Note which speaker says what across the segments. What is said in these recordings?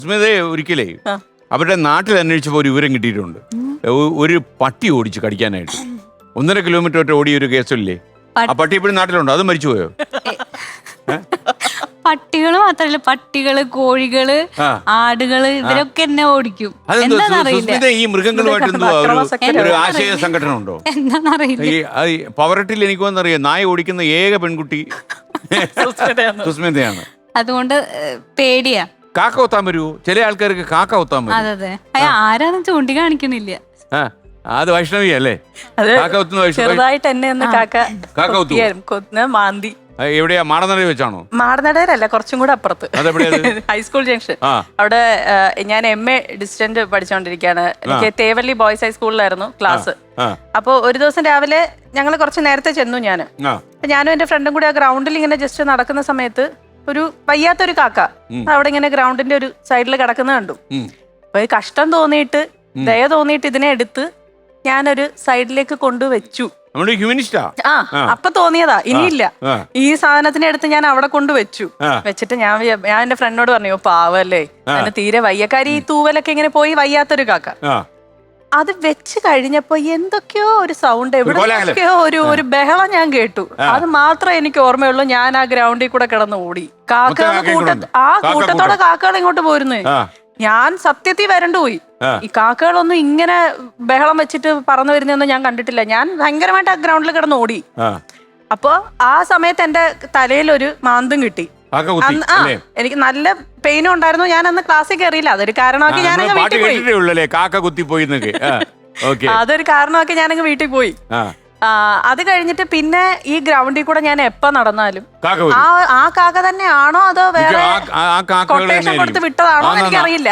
Speaker 1: സുസ്മിതയെ ഒരിക്കലേ അവരുടെ നാട്ടിൽ അന്വേഷിച്ചപ്പോൾ ഒരു വിവരം കിട്ടിയിട്ടുണ്ട്. ഒരു പട്ടി ഓടിച്ച് കടിക്കാനായിട്ട് 1.5 കിലോമീറ്റർ ഒറ്റ ഓടിയ ഒരു കേസില്ലേ? ആ പട്ടി ഇപ്പോഴും നാട്ടിലുണ്ടോ? അത് മരിച്ചുപോയോ?
Speaker 2: പട്ടികള് മാത്രല്ല, പട്ടികള്, കോഴികള്, ആടുകള്, ഇവരൊക്കെ എന്നെ ഓടിക്കും.
Speaker 1: സുസ്മിത ഈ മൃഗങ്ങളുമായിട്ട് ഒരു ആശയ സംഘടന ഉണ്ടോ?
Speaker 2: എന്താന്നറിയില്ല.
Speaker 1: പവറട്ടിൽ എനിക്ക് വന്നറിയാം, നായ ഓടിക്കുന്ന ഏക പെൺകുട്ടി സുസ്മിതയാണ്.
Speaker 2: അതുകൊണ്ട് പേടിയാ.
Speaker 1: കാക്ക കൊത്താൻ വരുമോ? ചില ആൾക്കാർക്ക് കാക്ക കൊത്താൻ വരും.
Speaker 2: അതെ ആരാന്ന് ചൂണ്ടി കാണിക്കണില്ല.
Speaker 1: അത് വൈഷ്ണവി അല്ലേ? കാക്ക കൊത്തുന്ന
Speaker 3: ചെറുതായിട്ട് എന്നെ ഒന്ന്
Speaker 1: കാക്ക
Speaker 3: കൊത്തുന്ന മാന്തി.
Speaker 1: എവിടെയാ? മാടനടയിൽ വെച്ചാണോ?
Speaker 3: മാടനടയിലല്ല, കുറച്ചും കൂടെ അപ്പുറത്ത്, ഹൈസ്കൂൾ ജംഗ്ഷൻ. അവിടെ ഞാൻ MA ഡിസ്റ്റന്റ് പഠിച്ചോണ്ടിരിക്കുകയാണ്. എനിക്ക് തേവല്ലി ബോയ്സ് ഹൈസ്കൂളിലായിരുന്നു ക്ലാസ്. അപ്പൊ ഒരു ദിവസം രാവിലെ ഞങ്ങൾ കുറച്ച് നേരത്തെ ചെന്നു. ഞാനും എന്റെ ഫ്രണ്ടും കൂടി ആ ഗ്രൗണ്ടിൽ ഇങ്ങനെ ജസ്റ്റ് നടക്കുന്ന സമയത്ത് ഒരു വയ്യാത്തൊരു കാക്ക അവിടെ ഇങ്ങനെ ഗ്രൗണ്ടിന്റെ ഒരു സൈഡിൽ കിടക്കുന്ന കണ്ടു. അപ്പൊ കഷ്ടം തോന്നിയിട്ട്, ദയ തോന്നിയിട്ട് ഇതിനെ എടുത്ത് ഞാനൊരു സൈഡിലേക്ക് കൊണ്ടുവച്ചു. അപ്പൊ തോന്നിയതാ, ഇനിയില്ല, ഈ സാധനത്തിനെ എടുത്ത് ഞാൻ അവിടെ കൊണ്ടുവച്ചു. വെച്ചിട്ട് ഞാൻ എന്റെ ഫ്രണ്ടിനോട് പറഞ്ഞു, പാവല്ലേ, അതിന് തീരെ വയ്യക്കാരി, ഈ തൂവലൊക്കെ ഇങ്ങനെ പോയി വയ്യാത്തൊരു കാക്ക. അത് വെച്ച് കഴിഞ്ഞപ്പോ എന്തൊക്കെയോ ഒരു സൗണ്ട്, എവിടെയൊക്കെയോ ഒരു ബഹളം ഞാൻ കേട്ടു. അത് മാത്രമേ എനിക്ക് ഓർമ്മയുള്ളൂ. ഞാൻ ആ ഗ്രൗണ്ടിൽ കൂടെ കിടന്ന് ഓടി. കാക്കകൾ കൂട്ടത്തോടെ കാക്കകൾ ഇങ്ങോട്ട് പോരുന്നു. ഞാൻ സത്യത്തിൽ വരണ്ടു പോയി. ഈ കാക്കകളൊന്നും ഇങ്ങനെ ബഹളം വെച്ചിട്ട് പറന്നു വരുന്നൊന്നും ഞാൻ കണ്ടിട്ടില്ല. ഞാൻ ഭയങ്കരമായിട്ട് ആ ഗ്രൗണ്ടിൽ കിടന്ന് ഓടി. അപ്പൊ ആ സമയത്ത് എന്റെ തലയിൽ ഒരു മാന്തും കിട്ടി. എനിക്ക് നല്ല പെയിനും ഉണ്ടായിരുന്നു. ഞാൻ അന്ന് ക്ലാസ്സിൽ കയറിയില്ല. അതൊരു കാരണമാക്കി ഞാനങ്ങ് വീട്ടിൽ പോയി. അതൊരു കാരണമാക്കി ഞാനങ്ങ് വീട്ടിൽ പോയി. അത് കഴിഞ്ഞിട്ട് പിന്നെ ഈ ഗ്രൗണ്ടിൽ കൂടെ ഞാൻ എപ്പോ നടന്നാലും ആ കാക്ക തന്നെയാണോ അതോ വേറെ കൊട്ടേഷൻ കൊടുത്ത് വിട്ടതാണോ എനിക്കറിയില്ല.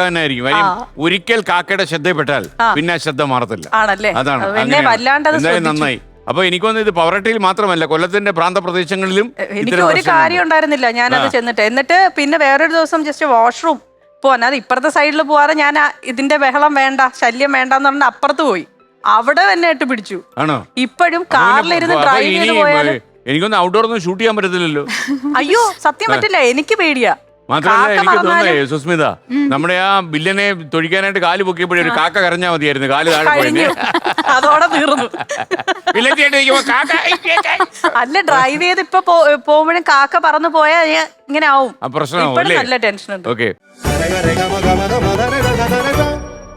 Speaker 1: ഒരിക്കൽ കാക്കയുടെ ശ്രദ്ധപ്പെട്ടാൽ പിന്നെ ശ്രദ്ധ മാറത്തില്ല.
Speaker 3: ആണല്ലേ?
Speaker 1: അതാണ്
Speaker 3: പിന്നെ വല്ലാണ്ടത്
Speaker 1: നന്നായി. അപ്പൊ എനിക്കൊന്നും ഇത് പവറട്ടിയിൽ മാത്രമല്ല, കൊല്ലത്തിന്റെ പ്രാന്തപ്രദേശങ്ങളിലും
Speaker 3: എനിക്ക് ഒരു കാര്യം ഉണ്ടായിരുന്നില്ല. ഞാനത് എന്നിട്ട് പിന്നെ വേറൊരു ദിവസം ജസ്റ്റ് വാഷ്റൂം പോവാൻ, അത് ഇപ്പുറത്തെ സൈഡിൽ പോവാതെ ഞാൻ ഇതിന്റെ ബഹളം വേണ്ട, ശല്യം വേണ്ടെന്ന് പറഞ്ഞ അപ്പുറത്ത് പോയി. അവിടെ തന്നെ ഇട്ട് പിടിച്ചു. ഇപ്പോഴും കാറിലിരുന്ന് ഡ്രൈവ് ചെയ്ത് പോയാൽ
Speaker 1: എനിക്കൊന്നും ഔട്ട്ഡോർ ഒന്നും ഷൂട്ട് ചെയ്യാൻ പറ്റത്തില്ലല്ലോ.
Speaker 3: അയ്യോ സത്യം പറ്റില്ല, എനിക്ക് പേടിയാ.
Speaker 1: മാത്രമല്ല എനിക്ക് തോന്നുന്നേ സുസ്മിത, നമ്മുടെ ആ ബില്ലനെ തൊഴിക്കാനായിട്ട് കാല് പൊക്കിയപ്പോഴേ ഒരു കാക്ക കരഞ്ഞാൽ മതിയായിരുന്നു. കാല് താഴെ
Speaker 3: അതോടെ തീർന്നു. അല്ല, ഡ്രൈവ് ചെയ്ത് ഇപ്പൊ പോകുമ്പോഴും കാക്ക പറന്നു പോയാൽ ഇങ്ങനെ ആവും.
Speaker 1: പ്രശ്നമാവും.
Speaker 3: നല്ല ടെൻഷൻ ഉണ്ട്.
Speaker 1: ഓക്കെ.